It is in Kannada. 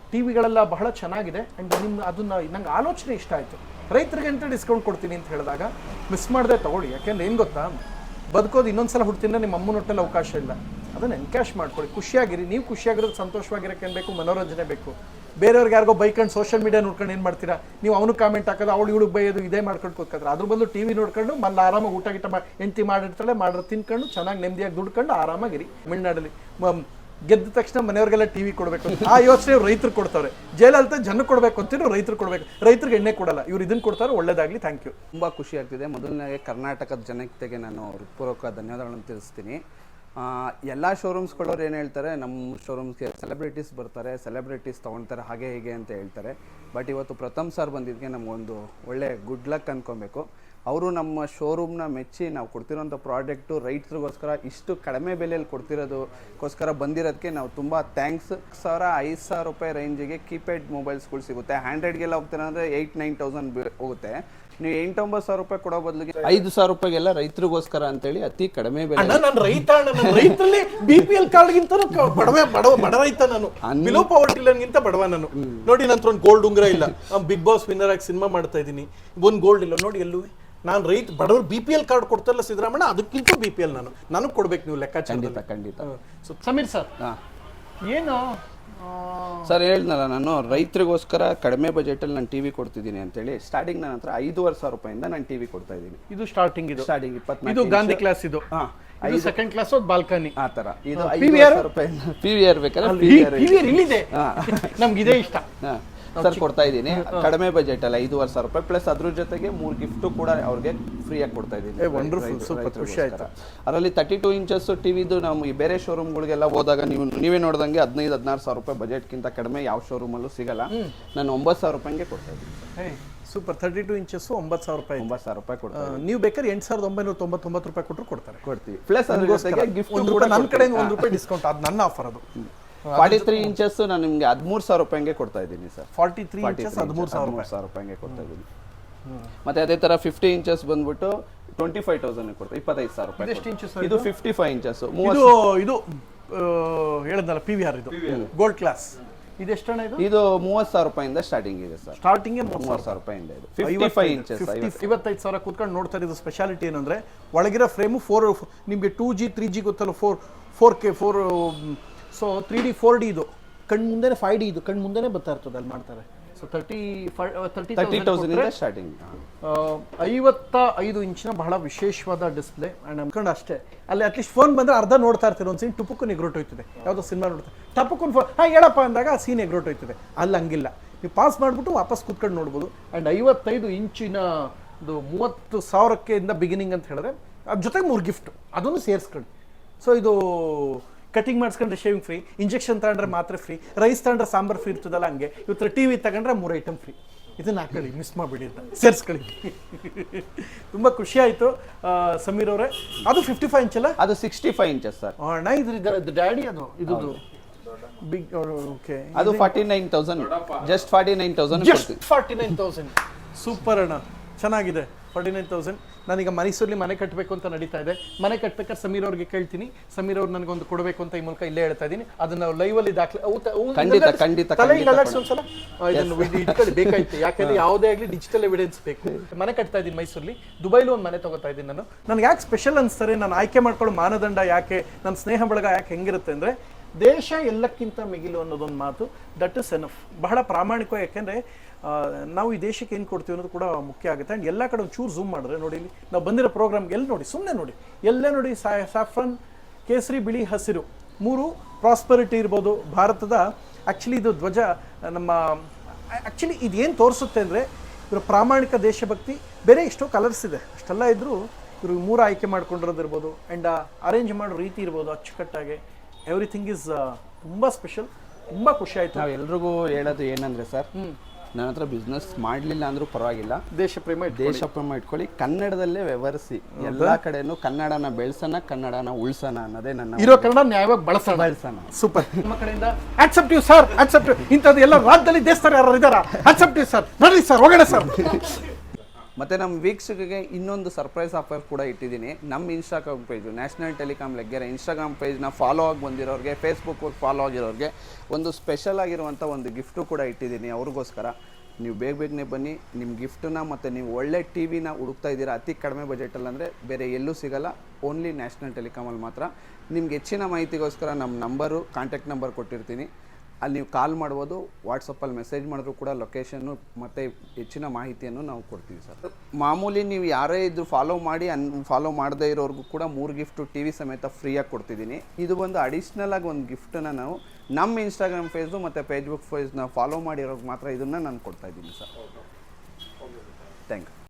ಟಿವಿಗಳೆಲ್ಲ ಬಹಳ ಚೆನ್ನಾಗಿದೆ ಆ್ಯಂಡ್ ಅದನ್ನ ನಂಗೆ ಆಲೋಚನೆ ಇಷ್ಟ ಆಯಿತು. ರೈತರಿಗೆ ಅಂತ ಡಿಸ್ಕೌಂಟ್ ಕೊಡ್ತೀನಿ ಅಂತ ಹೇಳಿದಾಗ ಮಿಸ್ ಮಾಡದೆ ತೊಗೊಳ್ಳಿ. ಯಾಕೆಂದ್ರೆ ಏನು ಗೊತ್ತಾ, ಬದುಕೋದು ಇನ್ನೊಂದ್ಸಲ ಹುಡ್ತಿಂದ ನಿಮ್ಮ ಅಮ್ಮನ ಹೊಟ್ಟೆಲ್ಲಿ ಅವಕಾಶ ಇಲ್ಲ. ಅದನ್ನು ಎನ್ಕ್ಯಾಶ್ ಮಾಡ್ಕೊಳ್ಳಿ, ಖುಷಿಯಾಗಿರಿ. ನೀವು ಖುಷಿಯಾಗಿರೋದು ಸಂತೋಷವಾಗಿರೋಕೆ ಏನು ಬೇಕು, ಮನೋರಂಜನೆ ಬೇಕು. ಬೇರೆಯವ್ರಿಗೆ ಯಾರಿಗೋ ಬೈಕೊಂಡು ಸೋಷಿಯಲ್ ಮೀಡಿಯಾ ನೋಡ್ಕೊಂಡು ಏನು ಮಾಡ್ತೀರಾ ನೀವು, ಅವನು ಕಾಮೆಂಟ್ ಹಾಕೋದು, ಅವಳು ಇವಳು ಬೈಯೋದು, ಇದೇ ಮಾಡ್ಕೊಂಡು ಕೂತ್ಕೊತಾರೆ. ಅದ್ರ ಬದಲು ಟಿವಿ ನೋಡ್ಕೊಂಡು ಮళ్ళీ ಆರಾಮಾಗಿ ಊಟ ಗಿಟ ಹೆಂಡತಿ ಮಾಡಿರ್ತಾಳೆ, ಮಾಡೋದು ತಿನ್ಕೊಂಡು ಚೆನ್ನಾಗಿ ನೆಮ್ಮದಿಯಾಗಿ ದುಡ್ಕೊಂಡು ಆರಾಮಾಗಿರಿ. ತಮಿಳ್ನಾಡಲ್ಲಿ ಗೆದ್ದ ತಕ್ಷಣ ಮನೆಯವ್ರಿಗೆಲ್ಲ ಟಿವಿ ಕೊಡಬೇಕು ಆ ಯೋಚನೆ ರೈತರು ಕೊಡ್ತಾರೆ. ಜೈಲಲ್ತ ಜನಕ್ಕೆ ಕೊಡಬೇಕು ಅಂತಿದ್ರು ರೈತರು ಕೊಡಬೇಕು. ರೈತರಿಗೆ ಎಣ್ಣೆ ಕೊಡಲ್ಲ, ಇವ್ರು ಇದನ್ನು ಕೊಡ್ತಾರೆ. ಒಳ್ಳೇದಾಗಲಿ, ಥ್ಯಾಂಕ್ ಯು. ತುಂಬ ಖುಷಿ ಆಗ್ತಿದೆ. ಮೊದಲನೇ ಕರ್ನಾಟಕದ ಜನತೆಗೆ ನಾನು ಹೃತ್ಪೂರ್ವಕ ಧನ್ಯವಾದಗಳನ್ನು ತಿಳಿಸ್ತೀನಿ. ಎಲ್ಲ ಶೋರೂಮ್ಸ್ಗಳವ್ರು ಏನು ಹೇಳ್ತಾರೆ, ನಮ್ಮ ಶೋರೂಮ್ಸ್ಗೆ ಸೆಲೆಬ್ರಿಟೀಸ್ ಬರ್ತಾರೆ, ಸೆಲೆಬ್ರಿಟೀಸ್ ತೊಗೊಳ್ತಾರೆ, ಹಾಗೆ ಹೀಗೆ ಅಂತ ಹೇಳ್ತಾರೆ. ಬಟ್ ಇವತ್ತು ಪ್ರಥಮ್ ಸರ್ ಬಂದಿದ್ದಕ್ಕೆ ನಮಗೊಂದು ಒಳ್ಳೆ ಗುಡ್ ಲಕ್ ಅಂದ್ಕೊಬೇಕು. ಅವರು ನಮ್ಮ ಶೋರೂಮ್ನ ಮೆಚ್ಚಿ ನಾವು ಕೊಡ್ತಿರೋಂಥ ಪ್ರಾಡಕ್ಟು ರೈತರಿಗೋಸ್ಕರ ಇಷ್ಟು ಕಡಿಮೆ ಬೆಲೆಯಲ್ಲಿ ಕೊಡ್ತಿರೋದಕ್ಕೋಸ್ಕರ ಬಂದಿರೋದಕ್ಕೆ ನಾವು ತುಂಬ ಥ್ಯಾಂಕ್ಸ್. 5,000 ರೂಪಾಯಿ ರೇಂಜಿಗೆ ಕೀಪ್ಯಾಡ್ ಮೊಬೈಲ್ಸ್ಗಳು ಸಿಗುತ್ತೆ. ಹ್ಯಾಂಡ್ರೆಡ್ಗೆಲ್ಲ ಹೋಗ್ತಾರೆ ಅಂದರೆ 8,000-9,000 ಹೋಗುತ್ತೆ. ನೀವು 8,000-9,000 ರೂಪಾಯಿ ಕೊಡೋ ಬದಲಿಗೆ 5,000 ರೂಪಾಯಿಗೆಲ್ಲ ರೈತರಿಗೋಸ್ಕರ ಅಂತೇಳಿ ಅತಿ ಕಡಿಮೆ ಬೆಲೆ. ನಾನು ರೈತರಲ್ಲಿ BPL ಕಾರ್ಡ್ಗಿಂತ ಬಡ ರೈತ. ನಾನು ಬಿಲೋ ಪವರ್ಟಿ ಲೈನ್ಗಿಂತ ಬಡವ ನಾನು. ನೋಡಿ, ನನ್ನ ಹತ್ರ ಒಂದು ಗೋಲ್ಡ್ ಉಂಗ್ರ ಇಲ್ಲ. ಬಿಗ್ ಬಾಸ್ ವಿನ್ನರ್ ಆಗಿ ಸಿನಿಮಾ ಮಾಡ್ತಾ ಇದ್ದೀನಿ, ಒಂದು ಗೋಲ್ಡ್ ಇಲ್ಲ ನೋಡಿ ಎಲ್ಲೂ. ನಾನು ರೈತ ಬಡವರು BPL ಕಾರ್ಡ್ ಕೊಡ್ತಾರಲ್ಲ ಸಿದ್ದರಾಮಣ್ಣ, ಅದಕ್ಕಿಂತ BPL ನನಗೆ ಕೊಡ್ಬೇಕು ನೀವು ಲೆಕ್ಕಾಚಾರ. ಖಂಡಿತ. ಸಮೀರ್ ಸರ್, ಏನು ಸರ್ ಹೇಳಿದ್ನಲ್ಲ, ನಾನು ರೈತರಿಗೋಸ್ಕರ ಕಡಿಮೆ ಬಜೆಟಲ್ಲಿ ನಾನು ಟಿವಿ ಕೊಡ್ತಿದ್ದೀನಿ ಅಂತೇಳಿ. ಸ್ಟಾರ್ಟಿಂಗ್ ನನ್ನ ಹತ್ರ 5,500 ರೂಪಾಯಿಂದ ನಾನು ಟಿವಿ ಕೊಡ್ತಾ ಇದ್ದೀನಿ. ಇದು ಸ್ಟಾರ್ಟಿಂಗ್ 24 ಇದು ಗಾಂಧಿ ಕ್ಲಾಸ್. ಇದು ಸೆಕೆಂಡ್ ಕ್ಲಾಸ್ ಬಾಲ್ಕನಿ ಆ ತರ. ಇದು 5,000 ರೂಪಾಯಿ PVR ಬೇಕಾದ್ರೆ ಇಲ್ಲಿದೆ, ನಮ್ಗೆ ಇದೇ ಇಷ್ಟ ಸರ್. ಕೊಡ್ತಾ ಇದ್ದೀನಿ ಕಡಿಮೆ ಬಜೆಟ್ ಅಲ್ಲಿ 5,500 ರೂಪಾಯಿ ಪ್ಲಸ್ ಅದ್ರ ಜೊತೆಗೆ 3 ಗಿಫ್ಟ್ ಕೂಡ ಅವ್ರಿಗೆ ಫ್ರೀಯಾಗಿ ಕೊಡ್ತಾ ಇದ್ದೀನಿ. ಅದರಲ್ಲಿ 32 ಇಂಚಸ್ ಟಿವಿದು ನಾವು ಬೇರೆ ಶೋರೂಮ್ಗಳಿಗೆಲ್ಲ ಹೋದಾಗ ನೀವೇ ನೋಡ್ದಂಗೆ 15,000-16,000 ರೂಪಾಯಿ ಬಜೆಟ್ಗಿಂತ ಕಡಿಮೆ ಯಾವ ಶೋರೂಮಲ್ಲೂ ಸಿಗಲ್ಲ. ನಾನು 9,000 ರೂಪಾಯಿಗೆ ಕೊಡ್ತಾ ಇದ್ದೀನಿ. ಸೂಪರ್. 32 ಇಂಚಸ್ 9,000 ರೂಪಾಯಿ. 9,000 ರೂಪಾಯಿ ಕೊಡ್ತಾರೆ. ನೀವು ಬೇಕಾದ್ರೆ 8,999 ರೂಪಾಯಿ ಕೊಟ್ಟರು ಕೊಡ್ತೀವಿ. ಪ್ಲಸ್ ಅದ್ರ ಜೊತೆಗೆ ಗಿಫ್ಟ್ ಕೂಡ ನನ್ನ ಕಡೆಯಿಂದ 1 ರೂಪಾಯಿ ಡಿಸ್ಕೌಂಟ್. ಅದು ನನ್ನ ಆಫರ್. ಅದು 43 ಇಂಚಸ್ ನಾನು ನಿಮಗೆ 13,000 ರೂಪಾಯಿಗೆ ಕೊಡ್ತಾ ಇದ್ದೀನಿ ಸರ್. 43 ಇಂಚಸ್ 13,000 ರೂಪಾಯಿಗೆ ಕೊಡ್ತಾ ಇದ್ದೀನಿ. ಮತ್ತೆ ಅದೇ ತರ 50 ಇಂಚಸ್ ಬಂದ್ಬಿಟ್ಟು 25,000 ಕೊಡ್ತಾ 25,000 ರೂಪಾಯಿ. ಇದು 55 ಇಂಚಸ್. ಇದು ಹೇಳಿದ್ನಲ್ಲ PVR, ಇದು ಗೋಲ್ಡ್ ಕ್ಲಾಸ್. ಇದು ಎಷ್ಟಣ್ಣ? ಇದು 30,000 ರೂಪಾಯಿಂದ ಸ್ಟಾರ್ಟಿಂಗ್ ಇದೆ ಸರ್. ಸ್ಟಾರ್ಟಿಂಗ್ 30,000 ರೂಪಾಯಿಂದ ಇದೆ. 55 ಇಂಚಸ್ 55,000 ಕೂತ್ಕೊಂಡು ನೋಡ್ತಾರೆ. ಇದು ಸ್ಪೆಷಾಲಿಟಿ ಏನಂದ್ರೆ ಒಳಗಿರೋ ಫ್ರೇಮು 4 ನಿಮಗೆ 2G 3G ಗೊತ್ತಲ್ಲ, 4K 4 ಸೊ 3D 4D. ಇದು ಕಣ್ಣು ಮುಂದೆನೆ 5D. ಇದು ಕಣ್ಣು ಮುಂದೆನೆ ಬರ್ತಾ ಇರ್ತದೆ, ಅಲ್ಲಿ ಮಾಡ್ತಾರೆ. So 30,000 starting. 55 ಇಂಚಿನ ಬಹಳ ವಿಶೇಷವಾದ ಡಿಸ್ಪ್ಲೇ. ಆ್ಯಂಡ್ ಅನ್ಕೊಂಡು ಅಷ್ಟೇ, ಅಲ್ಲಿ ಅಟ್ಲೀಸ್ಟ್ ಫೋನ್ ಬಂದರೆ ಅರ್ಧ ನೋಡ್ತಾ ಇರ್ತೀರಿ. ಒಂದು ಸೀನ್ ಟುಪುಕ್ಕನ್ನು ಎಗ್ರೋಟೋಯ್ತದೆ, ಯಾವುದೋ ಸಿನಿಮಾ ನೋಡ್ತಾರೆ, ಟಪುಕ್ಕನ್ನು ಫೋನ್ ಹೇಳಪ್ಪ ಅಂದಾಗ ಆ ಸೀನ್ ಎಗ್ರೋಟೋಯ್ತದೆ. ಅಲ್ಲಿ ಹಂಗಿಲ್ಲ, ನೀವು ಪಾಸ್ ಮಾಡಿಬಿಟ್ಟು ವಾಪಸ್ ಕೂತ್ಕೊಂಡು ನೋಡ್ಬೋದು. ಆ್ಯಂಡ್ 55 ಇಂಚಿನ ಇದು 30,000ಕ್ಕೆ ಬಿಗಿನಿಂಗ್ ಅಂತ ಹೇಳಿದ್ರೆ ಅದ್ರ ಜೊತೆಗೆ 3 ಗಿಫ್ಟ್ ಅದನ್ನು ಸೇರಿಸ್ಕೊಳ್ಳಿ. ಸೊ ಇದು ಕಟಿಂಗ್ ಮಾಡಿಸ್ಕೊಂಡ್ರೆ ಶೇವಿಂಗ್ ಫ್ರೀ, ಇಂಜೆಕ್ಷನ್ ತಗೊಂಡ್ರೆ ಮಾತ್ರ ಫ್ರೀ, ರೈಸ್ ತಗೊಂಡ್ರೆ ಸಾಂಬಾರು ಫ್ರೀ ಇರ್ತದಲ್ಲ, ಹಂಗೆ ಇವತ್ತು ಟಿವಿ ತಗೊಂಡ್ರೆ 3 ಐಟಮ್ ಫ್ರೀ. ಇದನ್ನ ಹಾಕೊಳ್ಳಿ, ಮಿಸ್ ಮಾಡಿಬಿಡಿ ಅಂತ ಸೇರಿಸ್ಕೊಳ್ಳಿ. ತುಂಬ ಖುಷಿ ಆಯಿತು ಸಮೀರ್ ಅವರೇ. ಅದು 55 ಇಂಚಲ್ಲ? ಅದು 65 ಇಂಚಸ್ ಸರ್. ಅಣ್ಣ ಇದು ಡ್ಯಾಡಿ, ಅದು ಇದು ಬಿಗ್. ಓಕೆ, ಅದು 49,000. ಜಸ್ಟ್ 49,000. ಸೂಪರ್ ಅಣ್ಣ, ಚೆನ್ನಾಗಿದೆ. 49,000. ನಾನೀಗ ಮೈಸೂರಲ್ಲಿ ಮನೆ ಕಟ್ಟಬೇಕು ಅಂತ ನಡೀತಾ ಇದೆ. ಮನೆ ಕಟ್ಟಬೇಕಾದ್ರೆ ಸಮೀರ್ ಅವ್ರಿಗೆ ಕೇಳ್ತೀನಿ. ಸಮೀರ್ ಅವ್ರು ನನಗೊಂದು ಕೊಡಬೇಕು ಅಂತ ಈ ಮೂಲಕ ಇಲ್ಲೇ ಹೇಳ್ತಾ ಇದ್ದೀನಿ. ಅದನ್ನ ಲೈವಲ್ಲಿ ದಾಖಲೆ ಇಟ್ಕೊಳ್ಳಿ ಬೇಕಾಯ್ತು. ಯಾಕಂದ್ರೆ ಯಾವುದೇ ಆಗಲಿ ಡಿಜಿಟಲ್ ಎವಿಡೆನ್ಸ್ ಬೇಕು. ಮನೆ ಕಟ್ತಾ ಇದ್ದೀನಿ ಮೈಸೂರಲ್ಲಿ. ದುಬೈಲಿ ಒಂದು ಮನೆ ತಗೋತಾ ಇದ್ದೀನಿ ನಾನು. ನನಗೆ ಯಾಕೆ ಸ್ಪೆಷಲ್ ಅನ್ಸ್ತಾರೆ, ನಾನು ಆಯ್ಕೆ ಮಾಡ್ಕೊಳ್ಳೋ ಮಾನದಂಡ ಯಾಕೆ, ನನ್ನ ಸ್ನೇಹ ಬಳಗ ಯಾಕೆ ಹೆಂಗಿರುತ್ತೆ ಅಂದರೆ, ದೇಶ ಎಲ್ಲಕ್ಕಿಂತ ಮಿಗಿಲು ಅನ್ನೋದೊಂದು ಮಾತು. That is enough. ಬಹಳ ಪ್ರಾಮಾಣಿಕ. ಯಾಕೆಂದರೆ ನಾವು ಈ ದೇಶಕ್ಕೆ ಏನು ಕೊಡ್ತೀವಿ ಅನ್ನೋದು ಕೂಡ ಮುಖ್ಯ ಆಗುತ್ತೆ. ಆ್ಯಂಡ್ ಎಲ್ಲ ಕಡೆ ಒಂದು ಚೂರು ಝೂಮ್ ಮಾಡಿದ್ರೆ ನೋಡಿ, ಇಲ್ಲಿ ನಾವು ಬಂದಿರೋ ಪ್ರೋಗ್ರಾಮ್ಗೆ ಎಲ್ಲಿ ನೋಡಿ, ಸುಮ್ಮನೆ ನೋಡಿ, ಎಲ್ಲೇ ನೋಡಿ, ಸ್ಯಾಫ್ರನ್, ಕೇಸರಿ, ಬಿಳಿ, ಹಸಿರು 3 ಪ್ರಾಸ್ಪರಿಟಿ ಇರ್ಬೋದು ಭಾರತದ. ಆ್ಯಕ್ಚುಲಿ ಇದು ಧ್ವಜ ನಮ್ಮ ಆ್ಯಕ್ಚುಲಿ ಇದೇನು ತೋರಿಸುತ್ತೆ ಅಂದರೆ, ಇವರು ಪ್ರಾಮಾಣಿಕ ದೇಶಭಕ್ತಿ. ಬೇರೆ ಎಷ್ಟೋ ಕಲರ್ಸ್ ಇದೆ, ಅಷ್ಟೆಲ್ಲ ಇದ್ದರೂ ಇವರು 3 ಆಯ್ಕೆ ಮಾಡ್ಕೊಂಡಿರೋದಿರ್ಬೋದು. ಆ್ಯಂಡ್ ಅರೇಂಜ್ ಮಾಡೋ ರೀತಿ ಇರ್ಬೋದು ಅಚ್ಚುಕಟ್ಟಾಗಿ. ಎವ್ರಿಥಿಂಗ್ ಈಸ್ ತುಂಬ ಸ್ಪೆಷಲ್. ತುಂಬ ಖುಷಿ ಆಯಿತು. ನಾವು ಎಲ್ರಿಗೂ ಹೇಳೋದು ಏನಂದರೆ ಸರ್, ನನ್ನ ಹತ್ರ ಬಿಸ್ನೆಸ್ ಮಾಡಲಿಲ್ಲ ಅಂದ್ರೂ ಪರವಾಗಿಲ್ಲ, ದೇಶ ಪ್ರೇಮ ಇಟ್ಕೊಳ್ಳಿ, ಕನ್ನಡದಲ್ಲೇ ವ್ಯವಹರಿಸಿ. ಎಲ್ಲ ಕಡೆನೂ ಕನ್ನಡನ ಬೆಳೆಸೋಣ, ಕನ್ನಡನ ಉಳಿಸೋಣ ಅನ್ನೋದೇ ನನ್ನ ಇರೋ ಕನ್ನಡ ನ್ಯಾಯವಾಗಿ ಬಳಸೋಣ. ಸೂಪರ್. ನಮ್ಮ ಕಡೆಯಿಂದ ಆಕ್ಸೆಪ್ಟಿವ್ ಸರ್, ಆಕ್ಸೆಪ್ಟಿವ್. ಇಂಥದ್ದು ಎಲ್ಲ ರಾಜ್ಯದಲ್ಲಿ ದೇಶದಲ್ಲಿ ಯಾರು ಇದ್ದಾರಾ? ಆಕ್ಸೆಪ್ಟಿವ್ ಸರ್, ಬರ್ರಿ ಸರ್, ಹೋಗೋಣ ಸರ್. ಮತ್ತು ನಮ್ಮ ವೀಕ್ಷಕರಿಗೆ ಇನ್ನೊಂದು ಸರ್ಪ್ರೈಸ್ ಆಫರ್ ಕೂಡ ಇಟ್ಟಿದ್ದೀನಿ. ನಮ್ಮ Instagram page national telecom Laggere Instagram ಪೇಜ್ನ ಫಾಲೋ ಆಗಿ ಬಂದಿರೋರಿಗೆ, ಫೇಸ್ಬುಕ್ ಫಾಲೋ ಆಗಿರೋರಿಗೆ ಒಂದು ಸ್ಪೆಷಲ್ ಆಗಿರುವಂಥ ಒಂದು ಗಿಫ್ಟು ಕೂಡ ಇಟ್ಟಿದ್ದೀನಿ ಅವ್ರಿಗೋಸ್ಕರ. ನೀವು ಬೇಗನೆ ಬನ್ನಿ, ನಿಮ್ಮ ಗಿಫ್ಟನ್ನ ಮತ್ತು ನೀವು ಒಳ್ಳೆ ಟಿ ವಿನ ಹುಡುಕ್ತಾ ಇದ್ದೀರಾ ಅತಿ ಕಡಿಮೆ ಬಜೆಟಲ್ಲಿ ಅಂದರೆ ಬೇರೆ ಎಲ್ಲೂ ಸಿಗಲ್ಲ, ಓನ್ಲಿ ನ್ಯಾಷನಲ್ ಟೆಲಿಕಾಮಲ್ಲಿ ಮಾತ್ರ. ನಿಮ್ಗೆ ಹೆಚ್ಚಿನ ಮಾಹಿತಿಗೋಸ್ಕರ ನಮ್ಮ ನಂಬರು, ಕಾಂಟ್ಯಾಕ್ಟ್ ನಂಬರ್ ಕೊಟ್ಟಿರ್ತೀನಿ, ಅಲ್ಲಿ ನೀವು ಕಾಲ್ ಮಾಡ್ಬೋದು. ವಾಟ್ಸಪ್ಪಲ್ಲಿ ಮೆಸೇಜ್ ಮಾಡಿದ್ರು ಕೂಡ ಲೊಕೇಶನ್ನು ಮತ್ತು ಹೆಚ್ಚಿನ ಮಾಹಿತಿಯನ್ನು ನಾವು ಕೊಡ್ತೀವಿ ಸರ್. ಮಾಮೂಲಿ ನೀವು ಯಾರೇ ಇದ್ರು ಫಾಲೋ ಮಾಡಿ ಫಾಲೋ ಮಾಡದೇ ಇರೋರ್ಗೂ ಕೂಡ 3 ಗಿಫ್ಟು ಟಿ ವಿ ಸಮೇತ ಫ್ರೀಯಾಗಿ ಕೊಡ್ತಿದ್ದೀನಿ. ಇದು ಒಂದು ಅಡಿಷ್ನಲ್ ಆಗಿ ಒಂದು ಗಿಫ್ಟನ್ನು ನಾವು ನಮ್ಮ ಇನ್ಸ್ಟಾಗ್ರಾಮ್ ಪೇಜು ಮತ್ತು ಫೇಸ್ಬುಕ್ ಪೇಜ್ನ ಫಾಲೋ ಮಾಡಿರೋರ್ಗೆ ಮಾತ್ರ ಇದನ್ನು ನಾನು ಕೊಡ್ತಾಯಿದ್ದೀನಿ ಸರ್. Thank you.